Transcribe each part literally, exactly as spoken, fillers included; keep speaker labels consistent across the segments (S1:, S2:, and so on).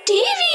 S1: TV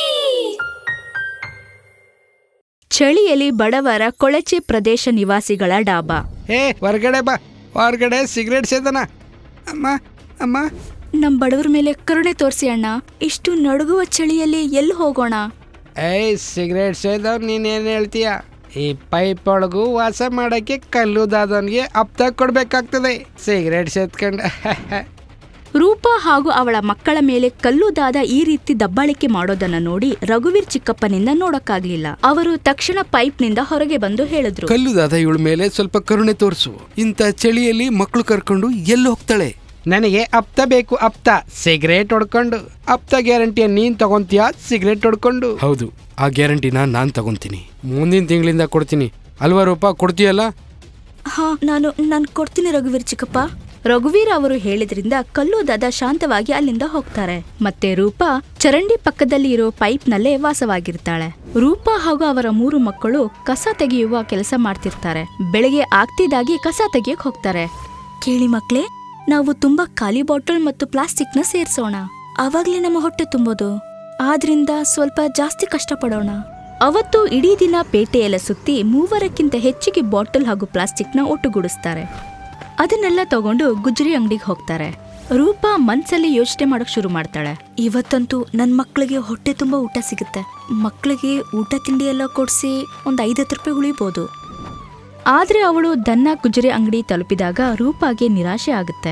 S2: ಚಳಿಯಲ್ಲಿ ಬಡವರ ಕೊಳಚೆ ಪ್ರದೇಶ ನಿವಾಸಿಗಳ ಡಾಬಾ.
S3: ಹೇ ಹೊರಗಡೆ ಬಾ, ಹೊರಗಡೆ ಸಿಗರೇಟ್ ಸೇದನ. ಅಮ್ಮ ಅಮ್ಮ
S2: ನಮ್ ಬಡವರ ಮೇಲೆ ಕರುಣೆ ತೋರಿಸಿ ಅಣ್ಣ. ಇಷ್ಟು ನಡುಗುವ ಚಳಿಯಲ್ಲಿ ಎಲ್ಲಿ ಹೋಗೋಣ?
S3: ಏಯ್ ಸಿಗರೇಟ್ ಸೇದವ್ ನೀನೇನು ಹೇಳ್ತೀಯ? ಈ ಪೈಪ್ ಒಳಗೂ ವಾಸ ಮಾಡಕ್ಕೆ ಕಲ್ಲುದಾದವನಿಗೆ ಹಪ್ತ ಕೊಡ್ಬೇಕಾಗ್ತದೆ. ಸಿಗರೇಟ್ ಸೇದ್ಕೊಂಡ
S2: ರೂಪಾ ಹಾಗೂ ಅವಳ ಮಕ್ಕಳ ಮೇಲೆ ಕಲ್ಲುದಾದ ಈ ರೀತಿ ದಬ್ಬಾಳಿಕೆ ಮಾಡೋದನ್ನ ನೋಡಿ ರಘುವೀರ್ ಚಿಕ್ಕಪ್ಪನಿಂದ ನೋಡಕ್ಕಾಗ್ಲಿಲ್ಲ. ಅವರು ತಕ್ಷಣ ಪೈಪ್ ನಿಂದ ಹೊರಗೆ ಬಂದು ಹೇಳಿದ್ರು,
S4: ಕಲ್ಲುದಾದ ಇವಳ ಮೇಲೆ ಸ್ವಲ್ಪ ಕರುಣೆ ತೋರಿಸು. ಇಂಥ ಚಳಿಯಲ್ಲಿ ಮಕ್ಕಳು ಕರ್ಕೊಂಡು ಎಲ್ಲಿ ಹೋಗ್ತಾಳೆ?
S3: ನನಗೆ ಹಪ್ತ ಬೇಕು, ಹಪ್ತ. ಸಿಗರೇಟ್ ಹೊಡ್ಕೊಂಡು. ಹಪ್ತ ಗ್ಯಾರಂಟಿಯ ನೀನ್ ತಗೊಂತೀಯ ಸಿಗರೇಟ್ ಹೊಡ್ಕೊಂಡು?
S4: ಹೌದು, ಆ ಗ್ಯಾರಂಟಿನ ನಾನ್ ತಗೊಂತೀನಿ. ಮುಂದಿನ ತಿಂಗಳಿಂದ ಕೊಡ್ತೀನಿ ಅಲ್ವಾ ರೂಪಾ? ಕೊಡ್ತೀಯಲ್ಲ?
S2: ಹಾ, ನಾನು ನಾನು ಕೊಡ್ತೀನಿ ರಘುವೀರ್ ಚಿಕ್ಕಪ್ಪ. ರಘುವೀರ್ ಅವರು ಹೇಳಿದ್ರಿಂದ ಕಲ್ಲುದಾದ ಶಾಂತವಾಗಿ ಅಲ್ಲಿಂದ ಹೋಗ್ತಾರೆ. ಮತ್ತೆ ರೂಪಾ ಚರಂಡಿ ಪಕ್ಕದಲ್ಲಿ ಇರೋ ಪೈಪ್ ನಲ್ಲೇ ವಾಸವಾಗಿರ್ತಾಳೆ. ರೂಪಾ ಹಾಗೂ ಅವರ ಮೂರು ಮಕ್ಕಳು ಕಸ ತೆಗೆಯುವ ಕೆಲಸ ಮಾಡ್ತಿರ್ತಾರೆ. ಬೆಳಗ್ಗೆ ಆಗ್ತಿದ್ದಾಗಿ ಕಸ ತೆಗೆಯಕ್ ಹೋಗ್ತಾರೆ. ಕೇಳಿ ಮಕ್ಳೇ, ನಾವು ತುಂಬಾ ಖಾಲಿ ಬಾಟಲ್ ಮತ್ತು ಪ್ಲಾಸ್ಟಿಕ್ ನ ಸೇರ್ಸೋಣ. ಅವಾಗ್ಲೇ ನಮ್ಮ ಹೊಟ್ಟೆ ತುಂಬೋದು. ಆದ್ರಿಂದ ಸ್ವಲ್ಪ ಜಾಸ್ತಿ ಕಷ್ಟಪಡೋಣ. ಅವತ್ತು ಇಡೀ ದಿನ ಪೇಟೆಯೆಲ್ಲ ಸುತ್ತಿ ಮೂವರಕ್ಕಿಂತ ಹೆಚ್ಚಿಗೆ ಬಾಟಲ್ ಹಾಗೂ ಪ್ಲಾಸ್ಟಿಕ್ ನ ಒಟ್ಟುಗೂಡಿಸ್ತಾರೆ. ಅದನ್ನೆಲ್ಲ ತಗೊಂಡು ಗುಜರಿ ಅಂಗಡಿಗೆ ಹೋಗ್ತಾರೆ. ರೂಪಾ ಮನ್ಸಲ್ಲಿ ಯೋಚನೆ ಮಾಡಕ್ ಶುರು ಮಾಡ್ತಾಳೆ. ಇವತ್ತಂತೂ ನನ್ ಮಕ್ಳಿಗೆ ಹೊಟ್ಟೆ ತುಂಬಾ ಊಟ ಸಿಗುತ್ತೆ. ಮಕ್ಳಿಗೆ ಊಟ ತಿಂಡಿ ಎಲ್ಲ ಕೊಡ್ಸಿ ಒಂದ್ ಐದತ್ತು ರೂಪಾಯಿ ಉಳಿಬಹುದು. ಆದ್ರೆ ಅವಳು ದನ್ನ ಗುಜರಿ ಅಂಗಡಿ ತಲುಪಿದಾಗ ರೂಪಾಗೆ ನಿರಾಶೆ ಆಗುತ್ತೆ.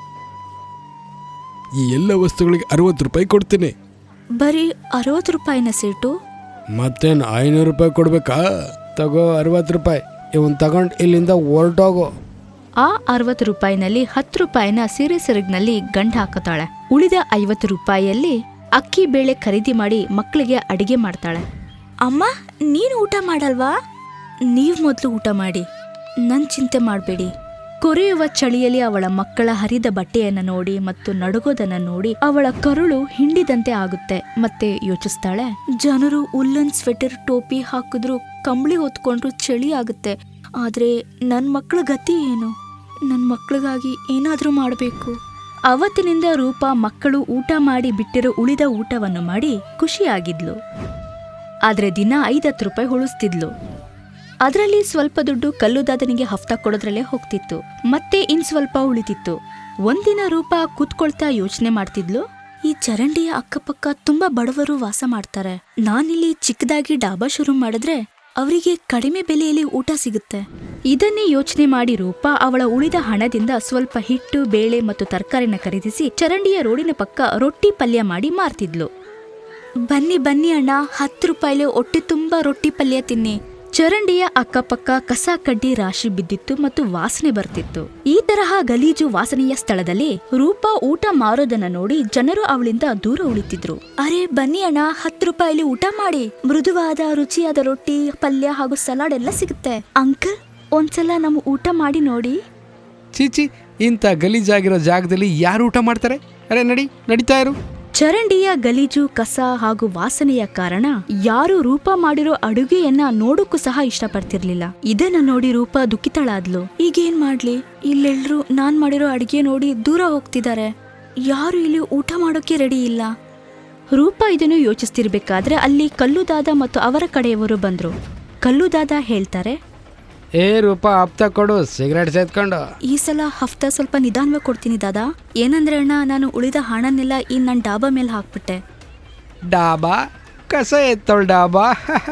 S4: ಈ ಎಲ್ಲ ವಸ್ತುಗಳಿಗೆ ಅರವತ್ತು ರೂಪಾಯಿ ಕೊಡ್ತೀನಿ.
S2: ಬರೀ ಅರವತ್ತು ರೂಪಾಯಿನ ಸೀಟು?
S4: ಮತ್ತೇನು ಐನೂರು ರೂಪಾಯಿ ಕೊಡ್ಬೇಕಾ? ತಗೋ ಅರವತ್ತು ರೂಪಾಯಿ. ಇವನ್ ತಗೊಂಡ್ ಇಲ್ಲಿಂದ ಹೊರಟೋಗೋ.
S2: ಆ ಅರವತ್ತು ರೂಪಾಯಿನಲ್ಲಿ ಹತ್ತು ರೂಪಾಯಿನ ಸೀರೆ ಸೆರಗ್ನಲ್ಲಿ ಗಂಡ ಹಾಕತಾಳೆ. ಉಳಿದ ಐವತ್ತು ರೂಪಾಯಿಯಲ್ಲಿ ಅಕ್ಕಿ ಬೇಳೆ ಖರೀದಿ ಮಾಡಿ ಮಕ್ಕಳಿಗೆ ಅಡಿಗೆ ಮಾಡ್ತಾಳೆ. ಅಮ್ಮ, ನೀನು ಊಟ ಮಾಡಲ್ವಾ? ನೀವ್ ಮೊದ್ಲು ಊಟ ಮಾಡಿ, ನನ್ ಚಿಂತೆ ಮಾಡ್ಬೇಡಿ. ಕೊರೆಯುವ ಚಳಿಯಲ್ಲಿ ಅವಳ ಮಕ್ಕಳ ಹರಿದ ಬಟ್ಟೆಯನ್ನ ನೋಡಿ ಮತ್ತು ನಡುಗೋದನ್ನ ನೋಡಿ ಅವಳ ಕರುಳು ಹಿಂಡಿದಂತೆ ಆಗುತ್ತೆ. ಮತ್ತೆ ಯೋಚಿಸ್ತಾಳೆ, ಜನರು ಉಲ್ಲನ್ ಸ್ವೆಟರ್ ಟೋಪಿ ಹಾಕಿದ್ರು, ಕಂಬಳಿ ಹೊತ್ಕೊಂಡ್ರು ಚಳಿ ಆಗುತ್ತೆ. ಆದ್ರೆ ನನ್ ಮಕ್ಕಳ ಗತಿ ಏನು? ನನ್ ಮಕ್ಕಳಿಗಾಗಿ ಏನಾದ್ರೂ ಮಾಡಬೇಕು. ಅವತ್ತಿನಿಂದ ರೂಪಾ ಮಕ್ಕಳು ಊಟ ಮಾಡಿ ಬಿಟ್ಟಿರೋ ಉಳಿದ ಊಟವನ್ನು ಮಾಡಿ ಖುಷಿಯಾಗಿದ್ಲು. ಆದ್ರೆ ದಿನ ಐದತ್ತು ರೂಪಾಯಿ ಉಳಿಸ್ತಿದ್ಲು. ಅದರಲ್ಲಿ ಸ್ವಲ್ಪ ದುಡ್ಡು ಕಲ್ಲುದಾದನಿಗೆ ಹಫ್ತಾ ಕೊಡೋದ್ರಲ್ಲೇ ಹೋಗ್ತಿತ್ತು. ಮತ್ತೆ ಇನ್ ಸ್ವಲ್ಪ ಉಳಿತಿತ್ತು. ಒಂದಿನ ರೂಪಾ ಕೂತ್ಕೊಳ್ತಾ ಯೋಚನೆ ಮಾಡ್ತಿದ್ಲು, ಈ ಚರಂಡಿಯ ಅಕ್ಕಪಕ್ಕ ತುಂಬಾ ಬಡವರು ವಾಸ ಮಾಡ್ತಾರೆ. ನಾನಿಲ್ಲಿ ಚಿಕ್ಕದಾಗಿ ಡಾಬಾ ಶುರು ಮಾಡಿದ್ರೆ ಅವರಿಗೆ ಕಡಿಮೆ ಬೆಲೆಯಲ್ಲಿ ಊಟ ಸಿಗುತ್ತೆ. ಇದನ್ನೇ ಯೋಚನೆ ಮಾಡಿ ರೂಪಾ ಅವಳ ಉಳಿದ ಹಣದಿಂದ ಸ್ವಲ್ಪ ಹಿಟ್ಟು, ಬೇಳೆ ಮತ್ತು ತರಕಾರಿನ ಖರೀದಿಸಿ ಚರಂಡಿಯ ರೋಡಿನ ಪಕ್ಕ ರೊಟ್ಟಿ ಪಲ್ಯ ಮಾಡಿ ಮಾರ್ತಿದ್ಲು. ಬನ್ನಿ ಬನ್ನಿ ಅಣ್ಣ, ಹತ್ತು ರೂಪಾಯಿಲೆ ಹೊಟ್ಟೆ ತುಂಬಾ ರೊಟ್ಟಿ ಪಲ್ಯ ತಿನ್ನಿ. ಚರಂಡಿಯ ಅಕ್ಕಪಕ್ಕ ಕಸ ಕಡ್ಡಿ ರಾಶಿ ಬಿದ್ದಿತ್ತು ಮತ್ತು ವಾಸನೆ ಬರ್ತಿತ್ತು. ಈ ತರಹ ಗಲೀಜು ವಾಸನೆಯ ಸ್ಥಳದಲ್ಲಿ ರೂಪಾ ಊಟ ಮಾರೋದನ್ನ ನೋಡಿ ಜನರು ಅವಳಿಂದ ದೂರ ಉಳಿತಿದ್ರು. ಅರೆ ಬನ್ನಿ ಅಣ್ಣ, ಹತ್ತು ರೂಪಾಯಿಲಿ ಊಟ ಮಾಡಿ. ಮೃದುವಾದ ರುಚಿಯಾದ ರೊಟ್ಟಿ, ಪಲ್ಯ ಹಾಗೂ ಸಲಾಡ್ ಎಲ್ಲ ಸಿಗುತ್ತೆ. ಅಂಕಲ್, ಒಂದ್ಸಲ ನಮ್ಮ ಊಟ ಮಾಡಿ ನೋಡಿ.
S4: ಚೀಚಿ, ಇಂಥ ಗಲೀಜಾಗಿರೋ ಜಾಗದಲ್ಲಿ ಯಾರು ಊಟ ಮಾಡ್ತಾರೆ? ಅರೆ ನಡಿ, ನಡೀತಾ ಇರು.
S2: ಚರಂಡಿಯ ಗಲೀಜು, ಕಸ ಹಾಗೂ ವಾಸನೆಯ ಕಾರಣ ಯಾರು ರೂಪಾ ಮಾಡಿರೋ ಅಡುಗೆಯನ್ನ ನೋಡಕ್ಕೂ ಸಹ ಇಷ್ಟಪಡ್ತಿರ್ಲಿಲ್ಲ. ಇದನ್ನ ನೋಡಿ ರೂಪಾ ದುಃಖಿತಳಾದ್ಲು. ಈಗೇನ್ ಮಾಡ್ಲಿ? ಇಲ್ಲೆಲ್ರು ನಾನ್ ಮಾಡಿರೋ ಅಡುಗೆ ನೋಡಿ ದೂರ ಹೋಗ್ತಿದ್ದಾರೆ. ಯಾರು ಇಲ್ಲಿ ಊಟ ಮಾಡೋಕೆ ರೆಡಿ ಇಲ್ಲ. ರೂಪಾ ಇದನ್ನು ಯೋಚಿಸ್ತಿರ್ಬೇಕಾದ್ರೆ ಅಲ್ಲಿ ಕಲ್ಲುದಾದ ಮತ್ತು ಅವರ ಕಡೆಯವರು ಬಂದ್ರು. ಕಲ್ಲುದಾದ ಹೇಳ್ತಾರೆ,
S3: ಏ ರೂಪಾ, ಹಪ್ತ ಕೊಡು, ಸಿಗರೇಟ್ ಸೇದ್ಕೊಂಡು.
S2: ಈ ಸಲ ಹಫ್ತಾ ಸ್ವಲ್ಪ ನಿಧಾನವಾಗಿ ಕೊಡ್ತೀನಿ ದಾದಾ. ಏನಂದ್ರೆ ಅಣ್ಣ, ನಾನು ಉಳಿದ ಹಣನೆಲ್ಲ ಈ ನನ್ ಡಾಬಾ ಮೇಲೆ ಹಾಕ್ಬಿಟ್ಟೆ.
S3: ಡಾಬಾ? ಕಸ ಎತ್ತೋಳ್ ಡಾಬಾ?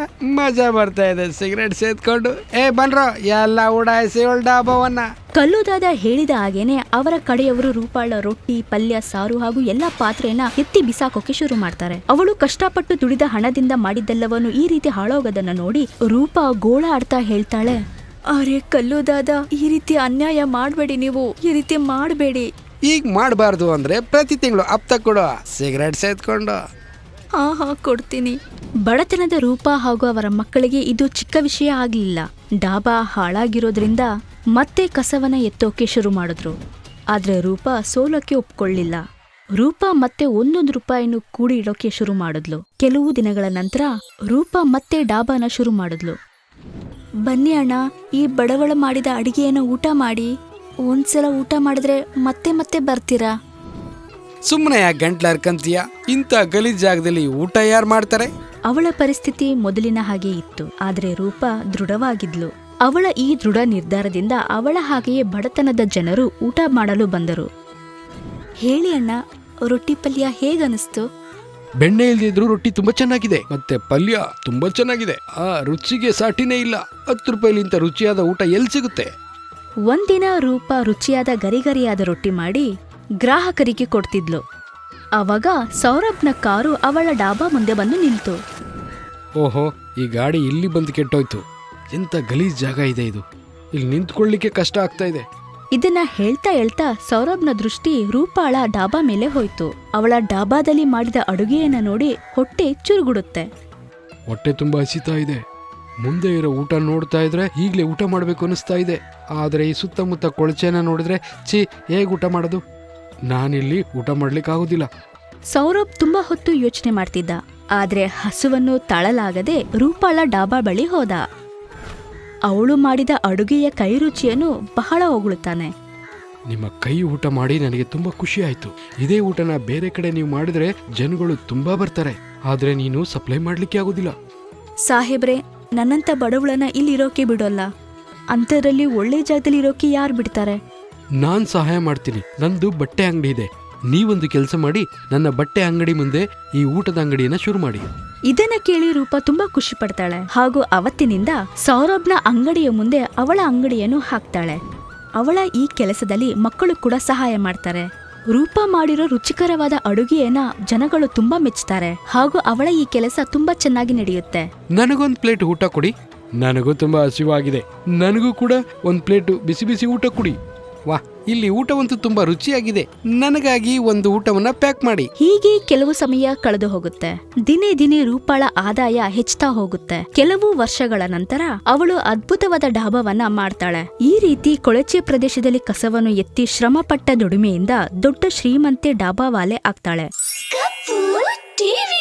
S3: ಮಜಾ ಬರ್ತಾ ಇದೆ ಸಿಗರೇಟ್ ಸೇದ್ಕೊಂಡು. ಏ ಬನ್ರೋ, ಎಲ್ಲ ಉಡಾಯಿಸಿ ಅವಳ ಡಾಬಾವನ್ನ.
S2: ಕಲ್ಲುದಾದ ಹೇಳಿದ ಹಾಗೇನೆ ಅವರ ಕಡೆಯವರು ರೂಪಾಳ ರೊಟ್ಟಿ, ಪಲ್ಯ, ಸಾರು ಹಾಗೂ ಎಲ್ಲಾ ಪಾತ್ರೆಯನ್ನ ಎತ್ತಿ ಬಿಸಾಕೋಕೆ ಶುರು ಮಾಡ್ತಾರೆ. ಅವಳು ಕಷ್ಟಪಟ್ಟು ದುಡಿದ ಹಣದಿಂದ ಮಾಡಿದ್ದೆಲ್ಲವನ್ನು ಈ ರೀತಿ ಹಾಳೋಗೋದನ್ನ ನೋಡಿ ರೂಪಾ ಗೋಳ ಆಡ್ತಾ ಹೇಳ್ತಾಳೆ, ಅರೆ ಕಲ್ಲುದಾದ, ಈ ರೀತಿ ಅನ್ಯಾಯ ಮಾಡ್ಬೇಡಿ, ನೀವು ಈ ರೀತಿ ಮಾಡಬೇಡಿ.
S3: ಈಗ ಮಾಡಬಾರ್ದು ಅಂದ್ರೆ ಪ್ರತಿ ತಿಂಗಳು ಹಪ್ತ ಕೊಡು, ಸಿಗರೇಟ್ ಸೇದ್ಕೊಂಡು.
S2: ಹಾ ಹಾ ಕೊಡ್ತೀನಿ. ಬಡತನದ ರೂಪಾ ಹಾಗೂ ಅವರ ಮಕ್ಕಳಿಗೆ ಇದು ಚಿಕ್ಕ ವಿಷಯ ಆಗ್ಲಿಲ್ಲ. ಡಾಬಾ ಹಾಳಾಗಿರೋದ್ರಿಂದ ಮತ್ತೆ ಕಸವನ್ನ ಎತ್ತೋಕೆ ಶುರು ಮಾಡಿದ್ರು. ಆದ್ರೆ ರೂಪಾ ಸೋಲಕ್ಕೆ ಒಪ್ಕೊಳ್ಳಿಲ್ಲ. ರೂಪಾ ಮತ್ತೆ ಒಂದೊಂದು ರೂಪಾಯಿನೂ ಕೂಡಿ ಇಡೋಕೆ ಶುರು ಮಾಡಿದ್ಲು. ಕೆಲವು ದಿನಗಳ ನಂತರ ರೂಪಾ ಮತ್ತೆ ಡಾಬಾನ ಶುರು ಮಾಡಿದ್ಲು. ಬನ್ನಿ ಅಣ್ಣ, ಈ ಬಡವಳ ಮಾಡಿದ ಅಡಿಗೆಯನ್ನು ಊಟ ಮಾಡಿ. ಒಂದ್ಸಲ ಊಟ ಮಾಡಿದ್ರೆ ಮತ್ತೆ ಮತ್ತೆ ಬರ್ತೀರಾ.
S3: ಸುಮ್ಮನೆ ಯಾಕೆ ಗಂಟ್ಲು ಹರ್ಕಂತೀಯ? ಇಂಥ ಗಲೀಜ್ ಜಾಗದಲ್ಲಿ ಊಟ ಯಾರು ಮಾಡ್ತಾರೆ?
S2: ಅವಳ ಪರಿಸ್ಥಿತಿ ಮೊದಲಿನ ಹಾಗೆ ಇತ್ತು, ಆದ್ರೆ ರೂಪ ದೃಢವಾಗಿದ್ಲು. ಅವಳ ಈ ದೃಢ ನಿರ್ಧಾರದಿಂದ ಅವಳ ಹಾಗೆಯೇ ಬಡತನದ ಜನರು ಊಟ ಮಾಡಲು ಬಂದರು. ಹೇಳಿ ಅಣ್ಣ, ರೊಟ್ಟಿ ಪಲ್ಯ ಹೇಗನಿಸ್ತು?
S4: ಬೆಣ್ಣೆ ಇಲ್ದಿದ್ರು ರೊಟ್ಟಿ ತುಂಬಾ ಚೆನ್ನಾಗಿದೆ, ಮತ್ತೆ ಪಲ್ಯ ತುಂಬಾ ಚೆನ್ನಾಗಿದೆ. ಆ ರುಚಿಗೆ ಸಾಟಿನೇ ಇಲ್ಲ. ಹತ್ತು ರೂಪಾಯಿಲಿಂತ ರುಚಿಯಾದ ಊಟ ಎಲ್ಲಿ ಸಿಗುತ್ತೆ?
S2: ಒಂದಿನ ರೂಪ ರುಚಿಯಾದ ಗರಿಗರಿಯಾದ ರೊಟ್ಟಿ ಮಾಡಿ ಗ್ರಾಹಕರಿಗೆ ಕೊಡ್ತಿದ್ಲು. ಅವಾಗ ಸೌರಭ್ನ ಕಾರು ಅವಳ ಡಾಬಾ ಮುಂದೆ ಬಂದು ನಿಲ್ತು.
S4: ಓಹೋ, ಈ ಗಾಡಿ ಇಲ್ಲಿ ಬಂದು ಕೆಟ್ಟೋಯ್ತು. ಎಂತ ಗಲೀಜ್ ಜಾಗ ಇದೆ ಇದು. ಇಲ್ಲಿ ನಿಂತ್ಕೊಳ್ಳಿಕ್ಕೆ ಕಷ್ಟ ಆಗ್ತಾ ಇದೆ.
S2: ಇದನ್ನ ಹೇಳ್ತಾ ಹೇಳ್ತಾ ಸೌರಭ್ನ ದೃಷ್ಟಿ ರೂಪಾಳ ಡಾಬಾ ಮೇಲೆ ಹೋಯ್ತು. ಅವಳ ಡಾಬಾದಲ್ಲಿ ಮಾಡಿದ ಅಡುಗೆಯನ್ನ ನೋಡಿ ಹೊಟ್ಟೆ ಚುರುಗುಡುತ್ತೆ.
S4: ಹೊಟ್ಟೆ ತುಂಬಾ ಹಸಿತಾ ಇದೆ. ಮುಂದೆ ಇರೋ ಊಟ ನೋಡ್ತಾ ಇದ್ರೆ ಈಗ್ಲೇ ಊಟ ಮಾಡ್ಬೇಕು ಅನಿಸ್ತಾ ಇದೆ. ಆದ್ರೆ ಈ ಸುತ್ತಮುತ್ತ ಕೊಳಚೆನ ನೋಡಿದ್ರೆ ಛೀ, ಹೇಗ್ ಊಟ ಮಾಡೋದು? ನಾನಿಲ್ಲಿ ಊಟ ಮಾಡ್ಲಿಕ್ಕೆ ಆಗೋದಿಲ್ಲ.
S2: ಸೌರಭ್ ತುಂಬಾ ಹೊತ್ತು ಯೋಚನೆ ಮಾಡ್ತಿದ್ದ. ಆದ್ರೆ ಹಸುವನ್ನು ತಾಳಲಾಗದೆ ರೂಪಾಳ ಡಾಬಾ ಬಳಿ ಹೋದ. ಅವಳು ಮಾಡಿದ ಅಡುಗೆಯ ಕೈ ರುಚಿಯನ್ನು ಬಹಳ ಹೊಗಳುತ್ತಾನೆ.
S4: ನಿಮ್ಮ ಕೈ ಊಟ ಮಾಡಿ ನನಗೆ ತುಂಬಾ ಖುಷಿ ಆಯ್ತು. ಇದೇ ಊಟನ ಬೇರೆ ಕಡೆ ನೀವು ಮಾಡಿದ್ರೆ ಜನಗಳು ತುಂಬಾ ಬರ್ತಾರೆ. ಆದ್ರೆ ನೀನು ಸಪ್ಲೈ ಮಾಡ್ಲಿಕ್ಕೆ ಆಗೋದಿಲ್ಲ.
S2: ಸಾಹೇಬ್ರೆ, ನನ್ನಂತ ಬಡವಳನ್ನ ಇಲ್ಲಿರೋಕೆ ಬಿಡೋಲ್ಲ. ಅಂಥದ್ರಲ್ಲಿ ಒಳ್ಳೆ ಜಾಗದಲ್ಲಿ ಇರೋಕೆ ಯಾರು ಬಿಡ್ತಾರೆ?
S4: ನಾನ್ ಸಹಾಯ ಮಾಡ್ತೀನಿ. ನಂದು ಬಟ್ಟೆ ಅಂಗಡಿ ಇದೆ. ನೀವೊಂದು ಕೆಲಸ ಮಾಡಿ, ನನ್ನ ಬಟ್ಟೆ ಅಂಗಡಿ ಮುಂದೆ ಈ ಊಟದ ಅಂಗಡಿಯನ್ನ ಶುರು ಮಾಡಿ.
S2: ಇದನ್ನ ಕೇಳಿ ರೂಪ ತುಂಬಾ ಖುಷಿ ಪಡ್ತಾಳೆ. ಹಾಗೂ ಅವತ್ತಿನಿಂದ ಸೌರಭ್ನ ಅಂಗಡಿಯ ಮುಂದೆ ಅವಳ ಅಂಗಡಿಯನ್ನು ಹಾಕ್ತಾಳೆ. ಅವಳ ಈ ಕೆಲಸದಲ್ಲಿ ಮಕ್ಕಳು ಕೂಡ ಸಹಾಯ ಮಾಡ್ತಾರೆ. ರೂಪ ಮಾಡಿರೋ ರುಚಿಕರವಾದ ಅಡುಗೆಯನ್ನ ಜನಗಳು ತುಂಬಾ ಮೆಚ್ಚುತ್ತಾರೆ. ಹಾಗೂ ಅವಳ ಈ ಕೆಲಸ ತುಂಬಾ ಚೆನ್ನಾಗಿ ನಡೆಯುತ್ತೆ.
S4: ನನಗೊಂದು ಪ್ಲೇಟ್ ಊಟ ಕೊಡಿ. ನನಗೂ ತುಂಬಾ ಹಸಿವಾಗಿದೆ. ನನಗೂ ಕೂಡ ಒಂದು ಪ್ಲೇಟ್ ಬಿಸಿ ಬಿಸಿ ಊಟ ಕೊಡಿ.
S3: ವಾ, ಇಲ್ಲಿ ಊಟವಂತೂ ತುಂಬಾ ರುಚಿಯಾಗಿದೆ. ನನಗಾಗಿ ಒಂದು ಊಟವನ್ನ ಪ್ಯಾಕ್ ಮಾಡಿ.
S2: ಹೀಗೆ ಕೆಲವು ಸಮಯ ಕಳೆದು ಹೋಗುತ್ತೆ. ದಿನೇ ದಿನೇ ರೂಪಾಳ ಆದಾಯ ಹೆಚ್ಚುತ್ತಾ ಹೋಗುತ್ತೆ. ಕೆಲವು ವರ್ಷಗಳ ನಂತರ ಅವಳು ಅದ್ಭುತವಾದ ಡಾಬಾವನ್ನ ಮಾಡ್ತಾಳೆ. ಈ ರೀತಿ ಕೊಳಚೆ ಪ್ರದೇಶದಲ್ಲಿ ಕಸವನ್ನು ಎತ್ತಿ ಶ್ರಮಪಟ್ಟ ದುಡಿಮೆಯಿಂದ ದೊಡ್ಡ ಶ್ರೀಮಂತೆ ಡಾಬಾವಾಲೆ ಆಗ್ತಾಳೆ.